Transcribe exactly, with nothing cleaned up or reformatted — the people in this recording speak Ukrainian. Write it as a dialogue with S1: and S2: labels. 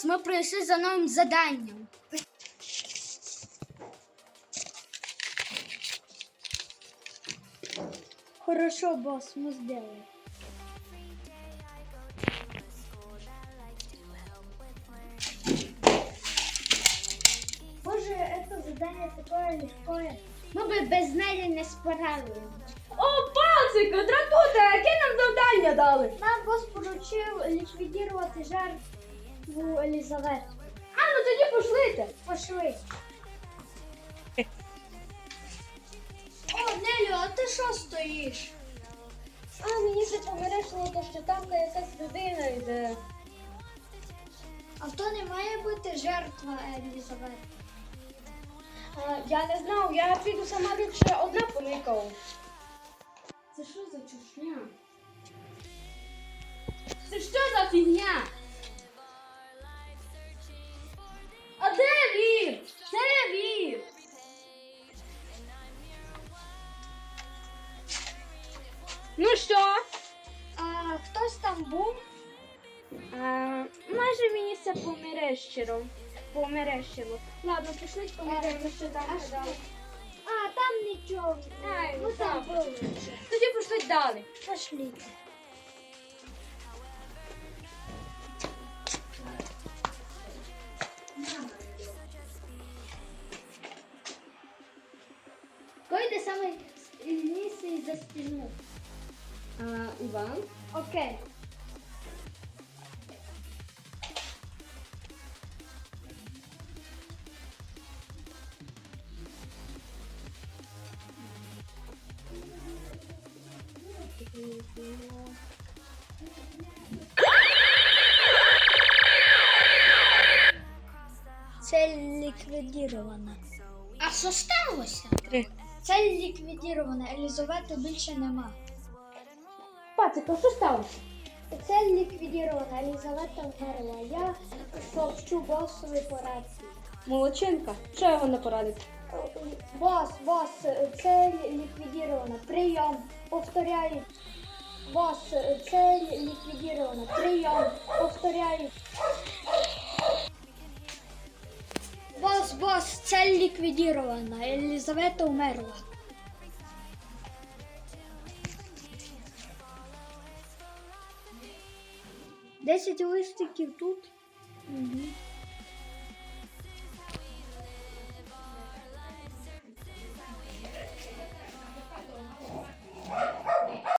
S1: Бос, ми прийшли за новим заданням. Хорошо, босс, мы сделаем. Боже, это задание такое легкое. Мы бы без неї не справились.
S2: О, пацик, дратуйте, яке нам завдання дали?
S1: Нам босс поручив ліквідувати жертву Елізавету.
S2: А, ну тоді пошлите.
S1: Пошли. О, Нелю, а ти що стоїш?
S2: А, мені ще помережило, що там якась людина йде.
S1: А то не має бути жертва Елізавети.
S2: А, я не знав, я піду сама більше одна поникав.
S1: Це що за чушня?
S2: Це що за фігня? А де він? Де він? Ну що?
S1: А хтось там був?
S2: А, майже мені це померещило. Померещило. Ладно, пішли померемо, що там
S1: А що?
S2: казали.
S1: А, там нічого.
S2: Ай,
S1: ну
S2: ну
S1: там
S2: там.
S1: були.
S2: Тоді пішли далі.
S1: Пошли. Койде саме сильніший за стіну.
S2: А, Іван?
S1: Окей. Цель ліквідована. А що сталося?
S2: Три.
S1: Цель ліквідована, Елізавети більше нема.
S2: Пацик, а що сталося?
S1: Цель ліквідована, Елізавета вмерла. Я сообщу босові по рації.
S2: Молодчинка. Що його не порадить?
S1: Бос, бос, цель ліквідована. Прийом. Повторяю. Бос, цель ліквідована. Прийом. Повторяю. Бос, бос, цель ліквідована. Елізавета вмерла. Десять листиків тут. Угу.